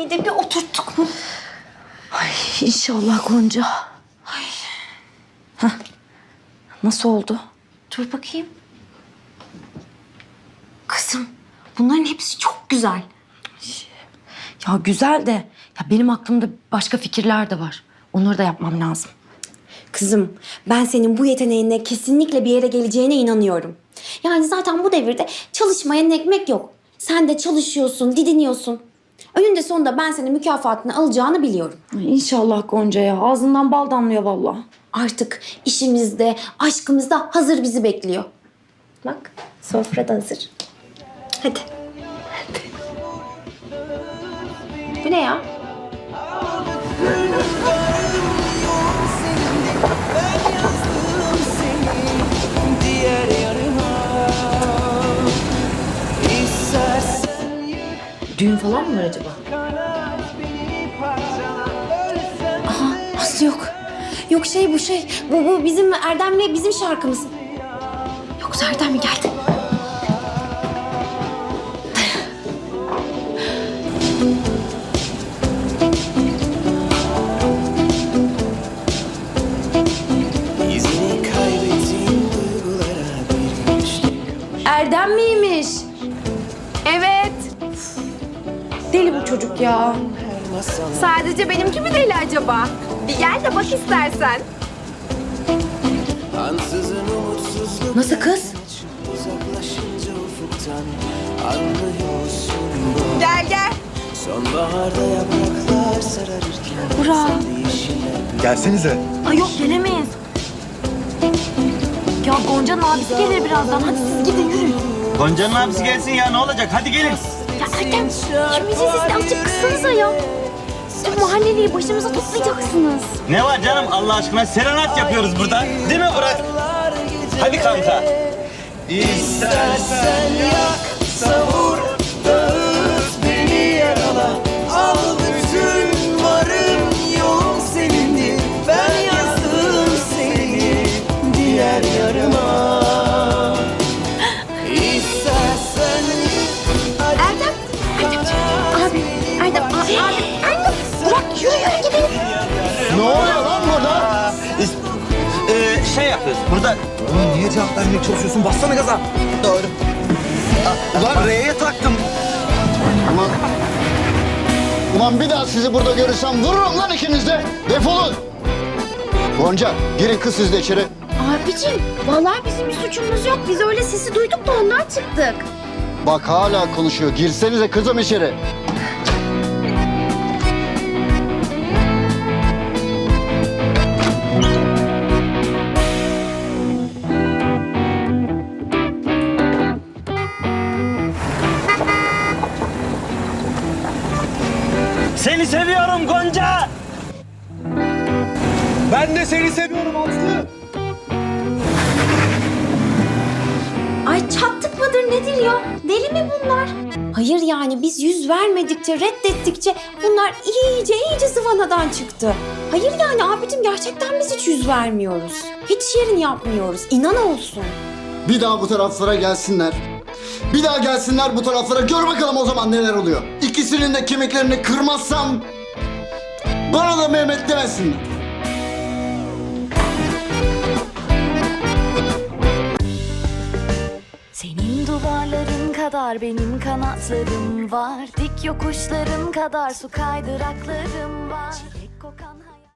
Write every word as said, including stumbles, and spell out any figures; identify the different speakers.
Speaker 1: Annemi de bir oturttuk mu?
Speaker 2: Ay inşallah Gonca. Ay. Hah. Nasıl oldu?
Speaker 1: Dur bakayım. Kızım, bunların hepsi çok güzel.
Speaker 2: Ya güzel de ya benim aklımda başka fikirler de var. Onları da yapmam lazım.
Speaker 1: Kızım, ben senin bu yeteneğinle kesinlikle bir yere geleceğine inanıyorum. Yani zaten bu devirde çalışmayan ekmek yok. Sen de çalışıyorsun, didiniyorsun. Önünde sonunda ben senin mükafatını alacağını biliyorum.
Speaker 2: Ay, İnşallah Gonca ya. Ağzından bal damlıyor vallahi.
Speaker 1: Artık işimizde, aşkımızda hazır bizi bekliyor. Bak, sofra da hazır. Hadi. Hadi. Bu ne ya? Düğün falan mı var acaba? Aha, Aslı yok. Yok şey bu şey. Bu, bu bizim Erdem'le bizim şarkımız. Yoksa Erdem mi geldi? Erdem miymiş?
Speaker 3: Evet.
Speaker 2: Deli bu çocuk ya.
Speaker 3: Sadece benimki mi deli acaba? Bir gel de bak istersen.
Speaker 2: Nasıl kız?
Speaker 3: Gel gel.
Speaker 4: Sonbaharda yapraklar sararırken
Speaker 2: Burak.
Speaker 5: Gelsenize.
Speaker 2: Ay yok gelemeyiz. Ya Gonca'nın abisi gelir birazdan. Hadi siz gidin yürüyün.
Speaker 5: Gonca'nın abisi gelsin ya, ne olacak? Hadi gelin.
Speaker 1: Ya Erdem, şu müziği sesini azıcık kıssanıza ya. Tüm mahalleliyi başımıza toplayacaksınız.
Speaker 5: Ne var canım, Allah aşkına serenat yapıyoruz burada. Değil mi Burak? Hadi kanka.
Speaker 4: İstersen yak, savur, dağıt, beni yarala. Al bütün varım yoğun senindir. Ben yazdım seni diğer yarıma. İstersen
Speaker 1: Erdem, Erdem, abi, Erdem, abi, abi, Erdem. Bırak yürü yürü gidelim.
Speaker 5: Ne oluyor lan burada? Ee, şey yapıyoruz burada.
Speaker 6: Oğlum niye cevap vermeye çalışıyorsun? Bassana gaza.
Speaker 5: Doğru.
Speaker 6: Ulan R'ye taktım.
Speaker 7: Ulan, ulan bir daha sizi burada görürsem vururum lan ikiniz de. Defolun. Gonca, girin kız siz de içeri.
Speaker 1: Abicim, vallahi bizim bir suçumuz yok. Biz öyle sesi duyduk da ondan çıktık.
Speaker 7: Bak hala konuşuyor. Girsenize kızım içeri.
Speaker 5: Seni seviyorum Gonca.
Speaker 6: Ben de seni seviyorum Aslı.
Speaker 1: Ay çattık mıdır nedir ya? Deli mi bunlar? Hayır yani biz yüz vermedikçe, reddettikçe bunlar iyice iyice zıvanadan çıktı. Hayır yani abicim gerçekten biz hiç yüz vermiyoruz. Hiç yerini yapmıyoruz. İnan olsun.
Speaker 7: Bir daha bu taraflara gelsinler. Bir daha gelsinler bu taraflara. Gör bakalım o zaman neler oluyor. İkisinin de kemiklerini kırmazsam bana da Mehmet demesinler.
Speaker 8: Senin duvarların kadar benim kanatlarım var. Dik yokuşların kadar su kaydıraklarım var.